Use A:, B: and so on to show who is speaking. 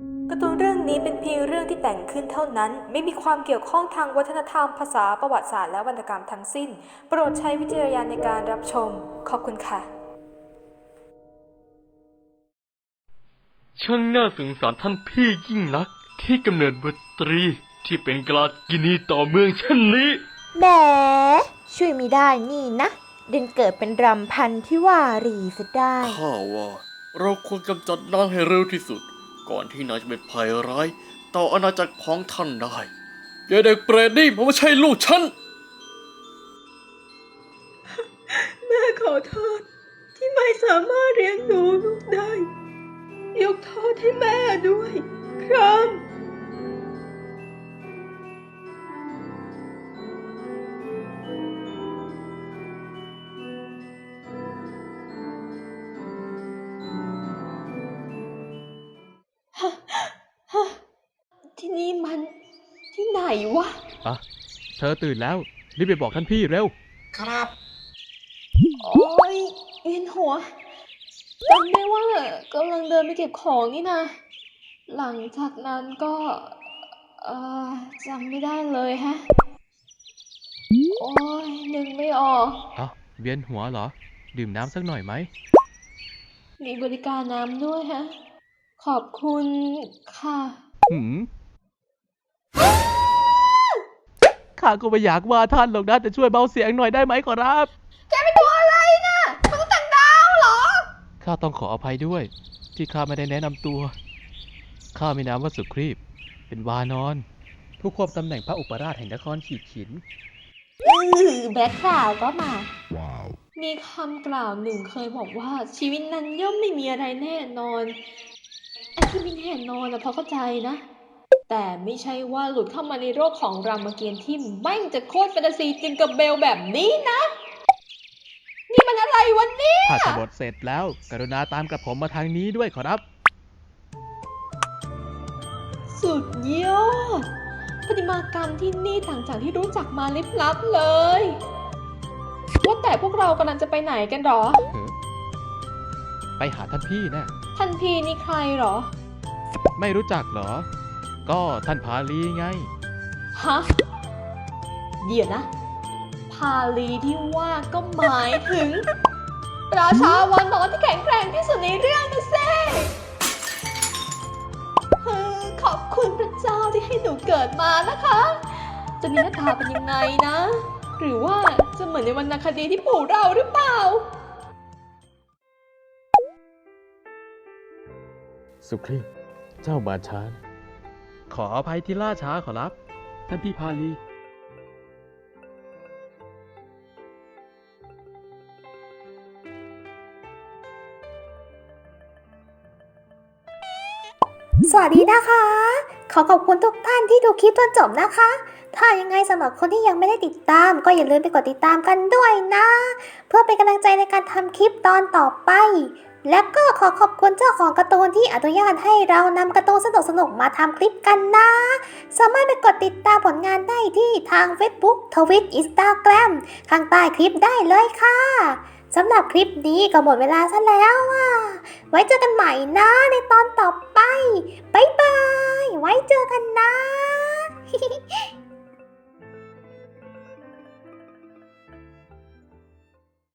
A: การ์ตูนเรื่องนี้เป็นเพียงเรื่องที่แต่งขึ้นเท่านั้นไม่มีความเกี่ยวข้องทางวัฒนธรรมภาษาประวัติศาสตร์และวรรณกรรมทั้งสิ้นโปรดใช้วิจารณญาณในการรับชมขอบคุณค่ะ
B: ช่างน่าสงสารท่านพี่ยิ่งนักที่กำเนิดบุตรีที่เป็นกลากินีต่อเมืองเช่นนี้
C: แหมช่วยไม่ได้นี่นะเดินเกิดเป็นรำพันที่วารีซะได้
D: ข้าว่าเราควรกำจัดนางให้เร็วที่สุดก่อนที่นางจะเป็นภัยร้ายต่ออาณาจักรของท่านได้อย่าเด็กเปรตนี่มันไม่ใช่ลูกฉัน
E: แม่ขอโทษที่ไม่สามารถเลี้ยงดูลูกได้ ยกโทษให้แม่ด้วยครับ ที่นี่มันที่ไหนวะ
F: อ่ะเธอตื่นแล้วรีบไปบอกท่านพี่เร็ว
E: โอ๊ยเวียนหัวจำได้ว่ากำลังเดินไปเก็บของนี่นะ หลังจากนั้นก็เอ่อจำไม่ได้เลยฮะ โอ๊ยนึกไม่ออก
F: อ่ะเวียนหัวเหรอ ดื่มน้ำสักหน่อยไหม
E: มีบริการน้ำด้วยฮะ ขอบคุณค่ะ
F: หืมข้าก็ไม่อยากว่าท่านหรอกนะแต่ช่วยเบาเสียงหน่อยได้ไหมขอรับ
E: แกเป็นตัวอะไรนะมนุษย์ต่างดาวเหรอ
F: ข้าต้องขออภัยด้วย ที่ข้าไม่ได้แนะนำตัว ข้ามีนามว่าสุครีพเป็นวานอน ผู้ควบตำแหน่งพระอุปราชแห่งนครขีดขิน
E: แบ็คกราวด์ก็มา มีคำกล่าวหนึ่งเคยบอกว่าชีวิตนั้นย่อมไม่มีอะไรแน่นอนไอ้ที่ไม่แน่นอนนะพอเข้าใจนะ แต่ไม่ใช่ว่าหลุดเข้ามาในโลกของรามเกียรติ์ที่แม่งจะโคตรแฟนตาซีจิงกับเบลแบบนี้นะ นี่มันอะไรวันนี้
F: ถ้าจะบทเสร็จแล้ว กรุณาตามกระผมมาทางนี้ด้วยขอรับ
E: สุดยอดประติมากรรมที่นี่ต่างจากที่รู้จักมาลิบลับเลย ว่าแต่พวกเรากำลังจะไปไหนกันหรอ
F: ไปหาท่านพี่นะ
E: ท่านพี่นี่ใครหรอ
F: ไม่รู้จักเหรอ ก็ท่านพาลีไง
E: ฮะ เดี๋ยวนะ พาลีที่ว่าก็หมายถึง ราชาวานอนที่แข็งแกร่งที่สุดในเรื่องนะเซ่ขอบคุณพระเจ้าที่ให้หนูเกิดมานะคะ จะมีหน้าตาเป็นยังไงนะ หรือว่าจะเหมือนในวรรณคดีที่ปู่เราหรือเปล่า
G: สุครีพเจ้ามาช้านะ
F: ขออภัยที่ล่าช้าขอรับ
G: ท่านพี่พาลี
C: สวัสดีนะคะ ขอขอบคุณทุกท่านที่ดูคลิปจนจบนะคะ ถ้ายังไงสำหรับคนที่ยังไม่ได้ติดตามก็อย่าลืมไปกดติดตามกันด้วยนะ เพื่อเป็นกำลังใจในการทำคลิปตอนต่อไป และก็ขอขอบคุณเจ้าของการ์ตูนที่อนุญาตให้เรานำการ์ตูนสนุกๆมาทำคลิปกันนะ สามารถไปกดติดตามผลงานได้ที่ทาง Facebook Twitter Instagram ข้างใต้คลิปได้เลยค่ะสำหรับคลิปนี้ก็หมดเวลาซะแล้วอ่ะ ไว้เจอกันใหม่นะในตอนต่อไป บ๊ายบาย ไว้เจอกันนะ